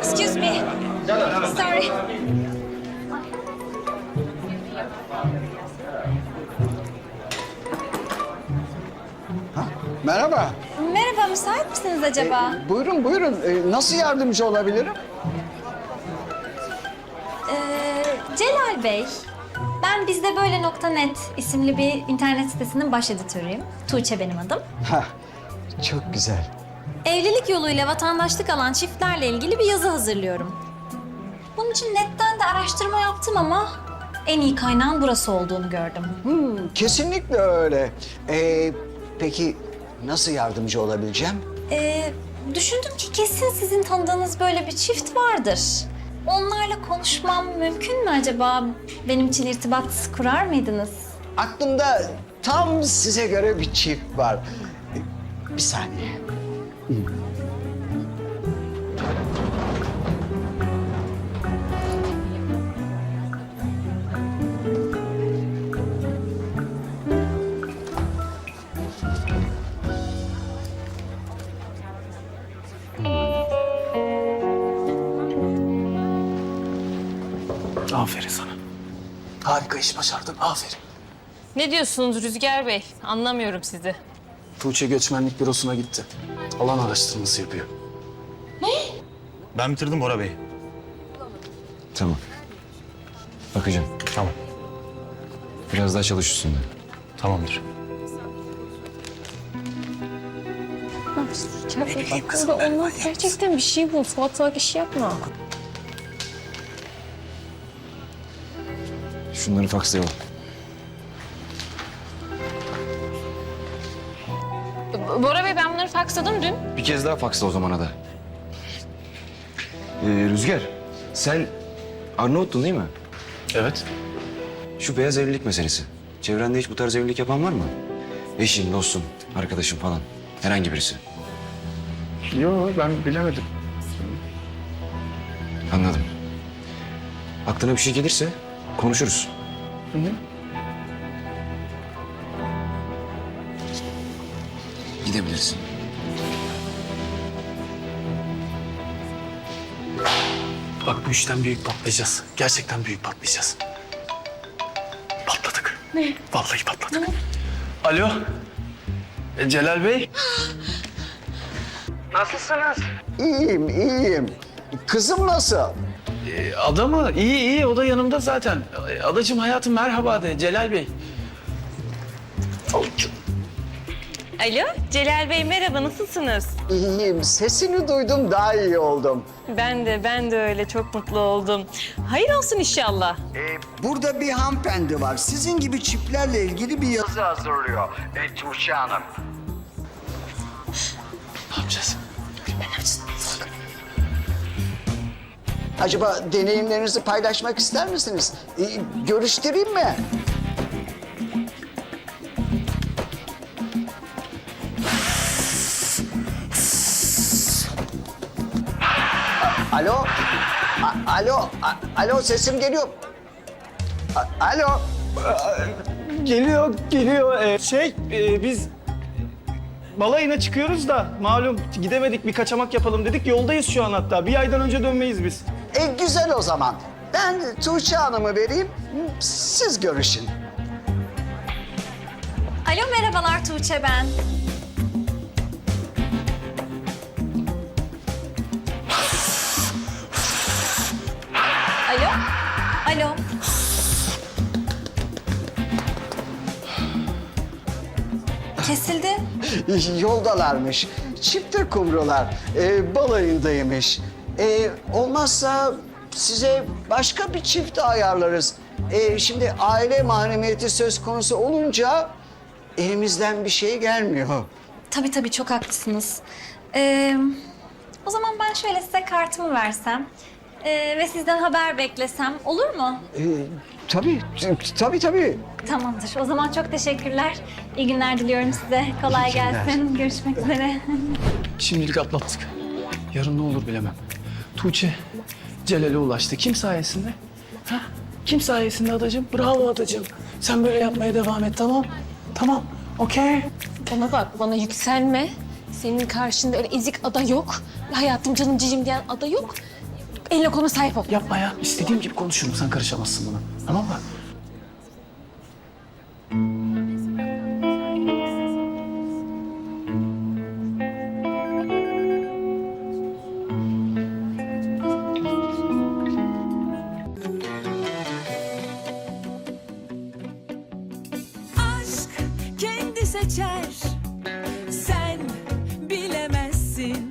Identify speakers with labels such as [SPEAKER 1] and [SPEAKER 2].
[SPEAKER 1] Excuse me. Sorry.
[SPEAKER 2] Merhaba.
[SPEAKER 1] Merhaba, müsait misiniz acaba?
[SPEAKER 2] Buyurun, buyurun. Nasıl yardımcı olabilirim?
[SPEAKER 1] Celal Bey, ben bizdebeyle.net isimli bir internet sitesinin baş editörüyüm. Tuğçe benim adım.
[SPEAKER 2] Hah, çok güzel.
[SPEAKER 1] Evlilik yoluyla vatandaşlık alan çiftlerle ilgili bir yazı hazırlıyorum. Bunun için netten de araştırma yaptım ama en iyi kaynağın burası olduğunu gördüm.
[SPEAKER 2] Kesinlikle öyle. Peki nasıl yardımcı olabileceğim?
[SPEAKER 1] Düşündüm ki kesin sizin tanıdığınız böyle bir çift vardır. Onlarla konuşmam mümkün mü acaba? Benim için irtibat kurar mıydınız?
[SPEAKER 2] Aklımda tam size göre bir çift var. Bir saniye.
[SPEAKER 3] Aferin sana. Harika iş başardın, aferin.
[SPEAKER 4] Ne diyorsunuz Rüzgar Bey? Anlamıyorum sizi.
[SPEAKER 3] Tuğçe göçmenlik bürosuna gitti. Alan araştırması yapıyor.
[SPEAKER 5] Ben bitirdim Bora Bey.
[SPEAKER 6] Tamam. Bakacağım.
[SPEAKER 5] Tamam.
[SPEAKER 6] Biraz daha çalış üstünde.
[SPEAKER 5] Tamamdır.
[SPEAKER 4] Burada olmaz. Gerçekten bir şey bul. Salatalık iş yapma.
[SPEAKER 6] Şunları fakslayalım.
[SPEAKER 4] Bora Bey ben bunları faksladım dün.
[SPEAKER 6] Bir kez daha faksla o zamana da. Rüzgar, sen Arnavut'tun değil mi?
[SPEAKER 3] Evet.
[SPEAKER 6] Şu beyaz evlilik meselesi. Çevrende hiç bu tarz evlilik yapan var mı? Eşin, dostun, arkadaşın falan. Herhangi birisi.
[SPEAKER 3] Yo, ben bilemedim.
[SPEAKER 6] Anladım. Aklına bir şey gelirse konuşuruz. Gidebilirsin.
[SPEAKER 3] Bak bu işten büyük patlayacağız. Gerçekten büyük patlayacağız. Patladık. Ne? Vallahi patladık. Alo. Celal Bey.
[SPEAKER 2] İyiyim, iyiyim. Kızım nasıl?
[SPEAKER 3] Ada mı? İyi iyi, o da yanımda zaten. Adacığım hayatım merhaba de Celal Bey.
[SPEAKER 4] Alo Celal Bey merhaba nasılsınız?
[SPEAKER 2] İyiyim. Sesini duydum, daha iyi oldum.
[SPEAKER 4] Ben de öyle çok mutlu oldum. Hayır olsun inşallah.
[SPEAKER 2] Burada bir hanımefendi var. Sizin gibi çiftlerle ilgili bir yazı hazırlıyor. Tuğçe Hanım.
[SPEAKER 3] Ne yapacağız?
[SPEAKER 2] Acaba deneyimlerinizi paylaşmak ister misiniz? Görüştüreyim mi? Alo? Alo, sesim geliyor. Alo?
[SPEAKER 7] Geliyor. Biz balayına çıkıyoruz da malum gidemedik, bir kaçamak yapalım dedik. Yoldayız şu an hatta. Bir aydan önce dönmeyiz biz.
[SPEAKER 2] Güzel o zaman. Ben Tuğçe Hanım'ı vereyim, siz görüşün.
[SPEAKER 1] Alo, merhabalar Tuğçe ben. Alo? Alo? Kesildi.
[SPEAKER 2] Yoldalarmış. Çifte kumrular. Balayındaymış. Olmazsa size başka bir çift ayarlarız. Şimdi aile mahremiyeti söz konusu olunca elimizden bir şey gelmiyor.
[SPEAKER 1] Tabii çok haklısınız. O zaman ben şöyle size kartımı versem ve sizden haber beklesem olur mu?
[SPEAKER 2] Tabii.
[SPEAKER 1] Tamamdır. O zaman çok teşekkürler. İyi günler diliyorum size. Kolay gelsin. Görüşmek üzere.
[SPEAKER 3] Şimdilik atlattık. Yarın ne olur bilemem. Tuğçe Celal'e ulaştı. Kim sayesinde? Ha? Kim sayesinde adacığım? Bravo adacığım. Sen böyle yapmaya devam et, tamam? Tamam, okey.
[SPEAKER 4] Bana bak bana yükselme. Senin karşında öyle ezik ada yok. Hayatım canım cicim diyen ada yok.
[SPEAKER 5] Eline koluna sahip ol.
[SPEAKER 3] Yapma ya. İstediğim gibi konuşurum. Sen karışamazsın buna. Tamam mı?
[SPEAKER 8] Aşk kendi seçer